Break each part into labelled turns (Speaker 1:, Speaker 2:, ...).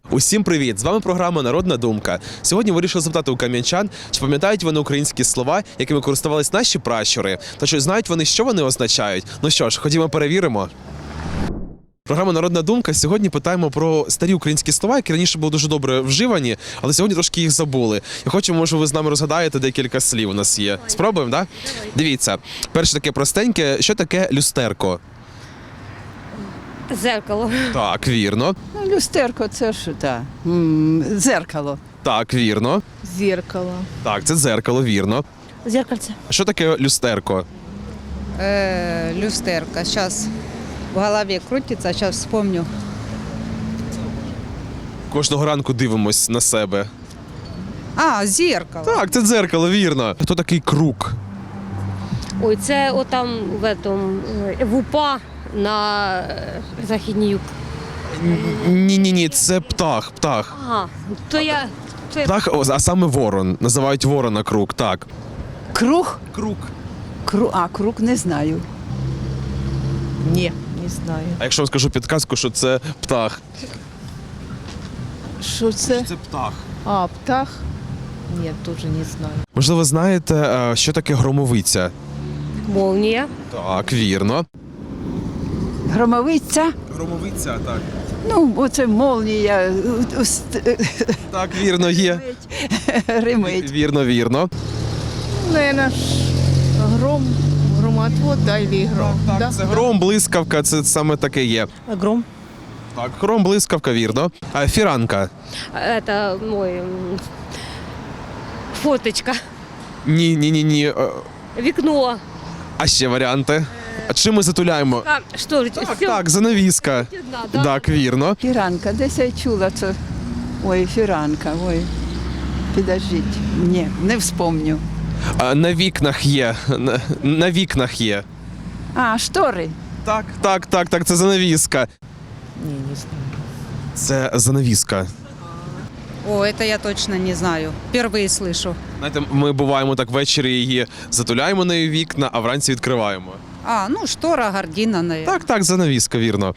Speaker 1: Усім привіт! З вами програма «Народна думка». Сьогодні вирішив запитати у кам'янчан, чи пам'ятають вони українські слова, якими користувались наші пращури, та чи знають вони, що вони означають. Ну що ж, ходімо перевіримо. Програма «Народна думка». Сьогодні питаємо про старі українські слова, які раніше були дуже добре вживані, але сьогодні трошки їх забули. Я хочу, може, ви з нами розгадаєте декілька слів у нас є. Спробуємо, так? Дивіться, перше таке простеньке. Що таке люстерко?
Speaker 2: Зеркало.
Speaker 1: Так, вірно.
Speaker 3: Люстерко, це ж дзеркало.
Speaker 1: Так, вірно.
Speaker 2: Зеркало.
Speaker 1: Так, це дзеркало, вірно.
Speaker 2: Зеркальце.
Speaker 1: Що таке люстерко?
Speaker 4: Люстерка. Сейчас в голове крутится, сейчас вспомню.
Speaker 1: Кожного ранку дивимось на себе.
Speaker 4: Зеркало.
Speaker 1: Так, це дзеркало, вірно. Хто такий круг?
Speaker 2: Ой, це отам в УПА на Західній Юг.
Speaker 1: Ні, це птах.
Speaker 2: Ага, то я...
Speaker 1: Птах, а саме ворон. Називають ворона круг, так.
Speaker 3: Круг?
Speaker 1: Круг.
Speaker 3: Круг не знаю.
Speaker 5: Ні, не знаю.
Speaker 1: А якщо вам скажу підказку, що це птах?
Speaker 5: Що це?
Speaker 1: Це птах.
Speaker 5: Птах? Ні, теж не знаю.
Speaker 1: Можливо, знаєте, що таке громовиця?
Speaker 2: Молнія.
Speaker 1: Так, вірно.
Speaker 3: Громовиця?
Speaker 1: Громовиця, так.
Speaker 3: Ну, оце молнія.
Speaker 1: Так, вірно, є.
Speaker 3: Римить.
Speaker 1: Вірно.
Speaker 5: Наверное, громотвод, да, или гром?
Speaker 1: Так,
Speaker 5: да?
Speaker 1: це гром, блискавка, це саме таке є.
Speaker 5: Гром.
Speaker 1: Так, гром, блискавка, вірно. А фіранка?
Speaker 2: Это мой... Фоточка.
Speaker 1: Ні.
Speaker 2: Вікно.
Speaker 1: А ще варіанти? А чим ми затуляємо?
Speaker 2: Що ж,
Speaker 1: Так, занавіска.
Speaker 2: да.
Speaker 1: Так, вірно.
Speaker 3: Фіранка, десь я чула це. Ой, фіранка, ой. Підождіть. Ні, не вспомню.
Speaker 1: А, на вікнах є. На вікнах є.
Speaker 3: Штори.
Speaker 1: Так, це занавіска.
Speaker 5: Ні, не знаю.
Speaker 1: Це занавіска.
Speaker 4: Это я точно не знаю. Впервые слышу.
Speaker 1: Знаєте, ми буваємо так ввечері її затуляємо нею вікна, а вранці відкриваємо.
Speaker 4: Штора, гардина, наверное.
Speaker 1: Так, занавіска, вірно.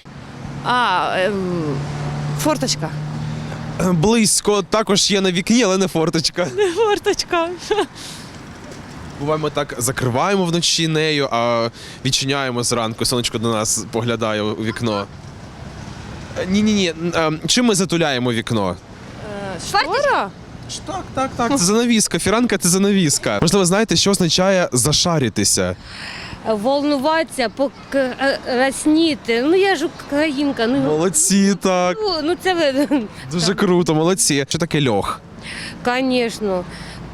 Speaker 5: Форточка.
Speaker 1: Близько також є на вікні, але не форточка.
Speaker 5: Форточка.
Speaker 1: Буваємо так, закриваємо вночі нею, а відчиняємо зранку, сонечко до нас поглядає у вікно. Ні. Чим ми затуляємо вікно?
Speaker 5: Штора?
Speaker 1: Так, це занавіска. Фіранка – це занавіска. Можливо, знаєте, що означає зашаритися?
Speaker 2: Волнуватися, покрасніти. Ну, я ж українка.
Speaker 1: Молодці, так.
Speaker 2: Ну, це ви...
Speaker 1: Дуже круто, молодці. Що таке льох?
Speaker 2: Звісно.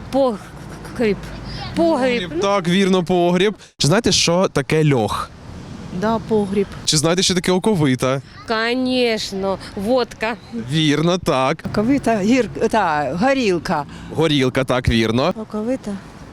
Speaker 2: Погріб.
Speaker 1: Так, вірно, погріб. Чи знаєте, що таке льох?
Speaker 5: Да, погріб.
Speaker 1: Чи знаєте, що таке оковита?
Speaker 2: Звісно. Водка.
Speaker 1: Вірно, так.
Speaker 3: Ковита, горілка.
Speaker 1: Горілка, так, вірно.
Speaker 5: Оковита.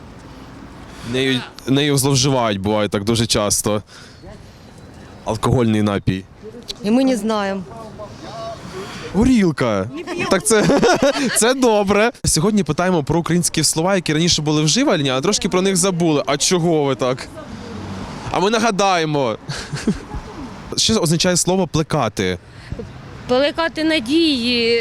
Speaker 1: Нею зловживають, буває так дуже часто. Алкогольний напій.
Speaker 5: І ми не знаємо.
Speaker 1: Горілка. Так це добре. Сьогодні питаємо про українські слова, які раніше були вживані, а трошки про них забули. А чого ви так? А ми нагадаємо. Що означає слово плекати?
Speaker 2: Плекати надії,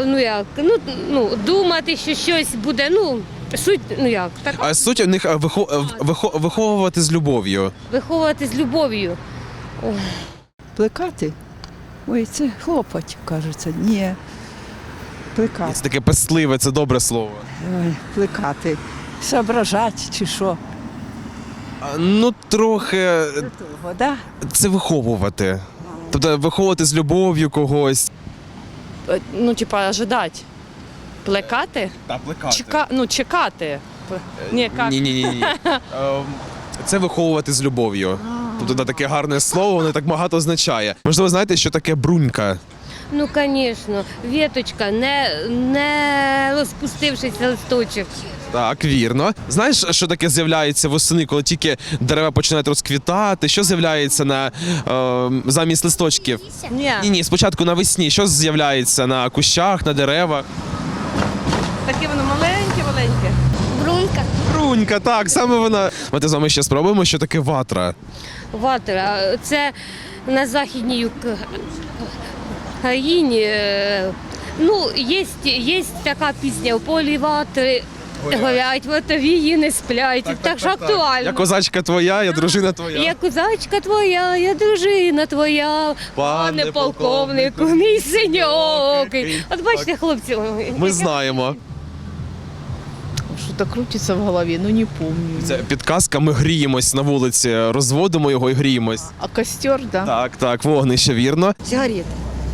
Speaker 2: думати, що щось буде, суть, так,
Speaker 1: А суть у них виховувати з любов'ю.
Speaker 2: виховувати з любов'ю.
Speaker 3: Плекати? Ой, це хлопать, кажеться. Ні. Плекати.
Speaker 1: Це таке пестливе, це добре слово.
Speaker 3: Ой, плекати. Соображать чи що?
Speaker 1: Ну, трохи
Speaker 3: Того, да?
Speaker 1: це виховувати. Тобто виховувати з любов'ю когось.
Speaker 6: Ожидать. Плекати?
Speaker 1: Та плекати.
Speaker 6: Чекати. Ні, як?
Speaker 1: Ні. Це виховувати з любов'ю. Тобто таке гарне слово, воно так багато означає. Можливо, знаєте, що таке брунька?
Speaker 2: Ну, звісно, віточка, не розпустившися листочок.
Speaker 1: Так, вірно. Знаєш, що таке з'являється восени, коли тільки дерева починають розквітати? Що з'являється замість листочків? Ні, спочатку навесні. Що з'являється на кущах, на деревах?
Speaker 6: Таке воно маленьке.
Speaker 1: Брунька, так, саме вона. Ми з вами ще спробуємо, що таке ватра.
Speaker 2: Ватра, це на Західній Україні Ну, є така пісня «У полі ватри горять, ватовії не сплять». Так що актуально.
Speaker 1: Я козачка твоя, я дружина твоя.
Speaker 2: Я козачка твоя, я дружина твоя, пане полковнику, мій синьокий. От бачите, хлопці,
Speaker 1: Ми знаємо.
Speaker 5: Что-то крутится в голове, но не помню.
Speaker 1: Це підказка, ми гріємось на вулиці, розводимо його і гріємось.
Speaker 5: А костер, да?
Speaker 1: Так, так, вогнище, вірно.
Speaker 7: Сигарет.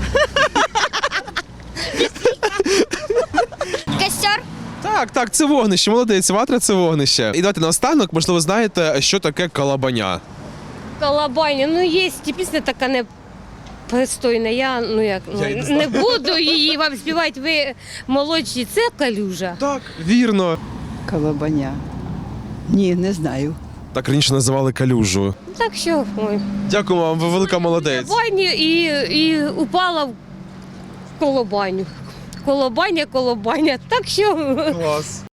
Speaker 7: Костер.
Speaker 1: Так, так, це вогнище, молодець, ватра це вогнище. І давайте наостанок, можливо, знаєте, що таке калабаня.
Speaker 2: колобаня. Ну, є пісня така непристойна. Я, не буду її вам співати, ви молодші, це калюжа.
Speaker 1: Так, вірно.
Speaker 3: Колобаня. Ні, не знаю.
Speaker 1: Так раніше називали калюжу.
Speaker 2: Так що, ой.
Speaker 1: Дякую вам, ви велика молодець.
Speaker 2: Колобаню і упала в колобаню. Колобаня. Так що
Speaker 1: Клас.